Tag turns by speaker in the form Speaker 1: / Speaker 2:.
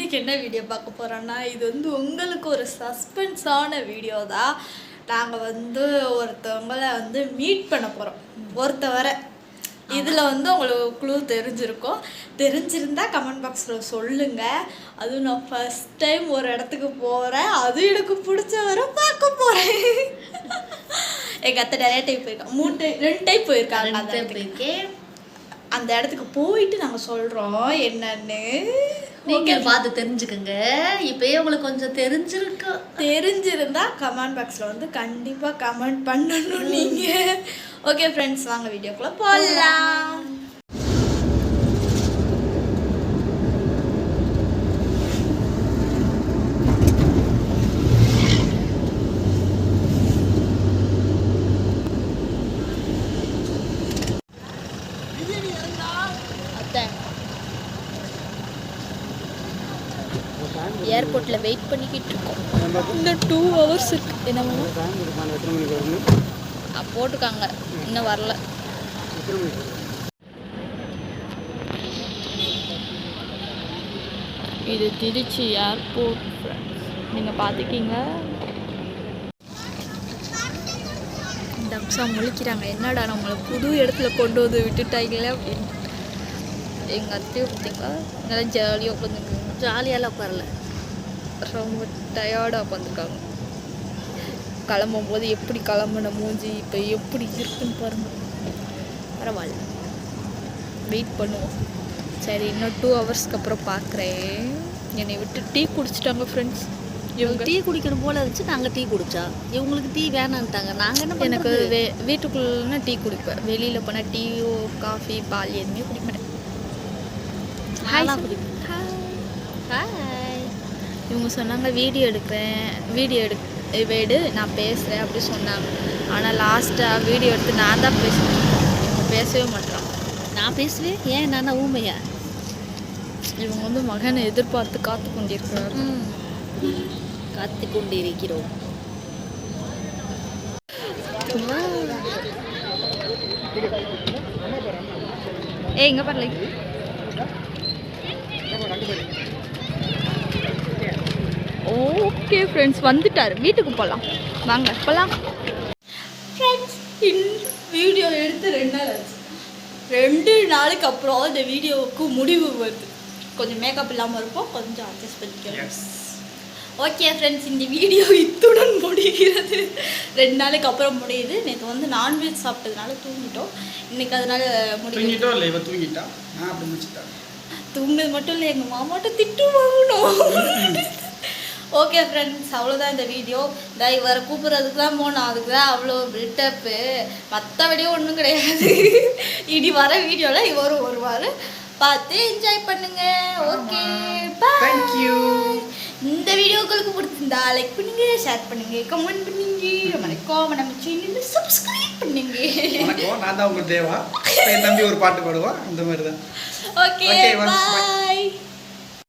Speaker 1: இன்றைக்கி என்ன வீடியோ பார்க்க போகிறோன்னா இது வந்து உங்களுக்கு ஒரு சஸ்பென்ஸான வீடியோ தான். நாங்கள் வந்து ஒருத்தவங்களை வந்து மீட் பண்ண போகிறோம். ஒருத்தவரை இதில் வந்து உங்களுக்கு க்ளூ தெரிஞ்சிருக்கும். தெரிஞ்சிருந்தா கமெண்ட் பாக்ஸில் சொல்லுங்கள். அதுவும் நான் ஃபஸ்ட் டைம் ஒரு இடத்துக்கு போகிறேன். அதுவும் எனக்கு பிடிச்சவரை பார்க்க போகிறேன். எங்கள் அத்தை நிறைய டைம் போயிருக்காங்க. 2 டைம் போயிருக்காங்க. அந்த இடத்துக்கு போயிட்டு நாங்கள் சொல்கிறோம் என்னன்னு
Speaker 2: நீங்கள் பார்த்து தெரிஞ்சுக்கோங்க. இப்போயே உங்களுக்கு கொஞ்சம்
Speaker 1: தெரிஞ்சிருந்தா கமெண்ட் பாக்ஸில் வந்து கண்டிப்பாக கமெண்ட் பண்ணணும் நீங்கள். ஓகே ஃப்ரெண்ட்ஸ், வாங்க வீடியோக்குள்ளே போகலாம். ஏர்போர்ட்டில் வெயிட் பண்ணிக்கிட்டு இருக்கோம். இன்னும் 2 hours இருக்கு. என்ன போட்டுக்காங்க, இன்னும் வரல. இது திருச்சி ஏர்போர்ட் ஃப்ரெண்ட்ஸ், நீங்கள் பார்த்துக்கிங்க. இந்த அம்சம் முழிக்கிறாங்க, என்னடா நம்மளை புது இடத்துல கொண்டு வந்து விட்டுட்டாங்களே அப்படின்னு. எங்கள் அத்தையும் பார்த்தீங்களா நல்லா ஜாலியாக உட்காந்துருக்காங்க.
Speaker 2: ஜாலியாலாம் உட்காரல,
Speaker 1: ரொம்ப டயர்டாக உட்காந்துருக்காங்க. கிளம்பும் போது எப்படி கிளம்புன மூஞ்சி இப்போ எப்படி இருக்குன்னு பாருங்கள். பரவாயில்ல, வெயிட் பண்ணுவோம். சரி, இன்னும் 2 ஹவர்ஸ்க்கு அப்புறம் பார்க்குறேன். என்னை விட்டு டீ குடிச்சிட்டாங்க ஃப்ரெண்ட்ஸ்.
Speaker 2: இவங்க டீ குடிக்கணும் போல இருந்துச்சு. நாங்கள் டீ குடித்தா இவங்களுக்கு டீ வேணான்ட்டாங்க. நாங்கள் என்ன,
Speaker 1: எனக்கு வீட்டுக்குள்ளே டீ குடிப்பேன். வெளியில் போனால் டீயோ காஃபி பால் எதுவுமே குடிக்க மாட்டேன்.
Speaker 2: ஹாய் குடிப்பேன்.
Speaker 1: ஹாய். இவங்க சொன்னாங்க வீடியோ எடு நான் பேசுகிறேன் அப்படி சொன்னாங்க. ஆனால் லாஸ்ட்டாக வீடியோ எடுத்து நான் தான் பேசுகிறேன். இவங்க பேசவே மாட்டேறான்.
Speaker 2: நான் பேசுவேன். ஏன் நானா ஊமையா?
Speaker 1: இவங்க வந்து மகனை எதிர்பார்த்து காத்து கொண்டிருக்கிறார்.
Speaker 2: காத்து கொண்டிருக்கிறோம்.
Speaker 1: இங்கே பாருங்க. ஓகே ஃப்ரெண்ட்ஸ், வந்துட்டார். வீட்டுக்கு போகலாம், வாங்க போகலாம். ஃப்ரெண்ட்ஸ், வீடியோ எடுத்து 2 நாள் ஆச்சு. 2 நாளுக்கு அப்புறம் இந்த வீடியோவுக்கு முடிவு வருது. கொஞ்சம் மேக்கப் இல்லாமல் இருப்போம், கொஞ்சம் அட்ஜஸ்ட் பண்ணிக்கிறோம். ஓகே ஃப்ரெண்ட்ஸ், இந்த வீடியோ இத்துடன் முடிகிறது. 2 நாளுக்கு அப்புறம் முடியுது. நேற்று வந்து நான்வெஜ் சாப்பிட்டதுனால தூங்கிட்டோம். இன்னைக்கு அதனால தூங்குறது மட்டும் இல்லை, எங்கள் மாமாட்ட திட்டு வாங்கணும். ஓகே ஃப்ரெண்ட்ஸ், அவ்வளோதான் இந்த வீடியோ. இவரை கூப்பிட்றதுக்கு தான் போனோம். அதுக்கு தான் அவ்வளோ பில்டப்பு. மற்றபடியும் ஒன்றும் கிடையாது. இனி வர வீடியோவில் இவரும் வருவார். பார்த்து என்ஜாய் பண்ணுங்க. Okay, bye. இந்த வீடியோ உங்களுக்கு பிடிச்சிருந்தா லைக் பண்ணுங்க, ஷேர் பண்ணுங்க, கமெண்ட் பண்ணுங்க, மறக்காம நம்ம சேனலை சப்ஸ்கிரைப் பண்ணுங்க.
Speaker 3: நான் தான் உங்க தேவா. என் தம்பி ஒரு பாட்டு பாடுவா, அந்த மாதிரி தான்.
Speaker 1: ஓகே, பாய்.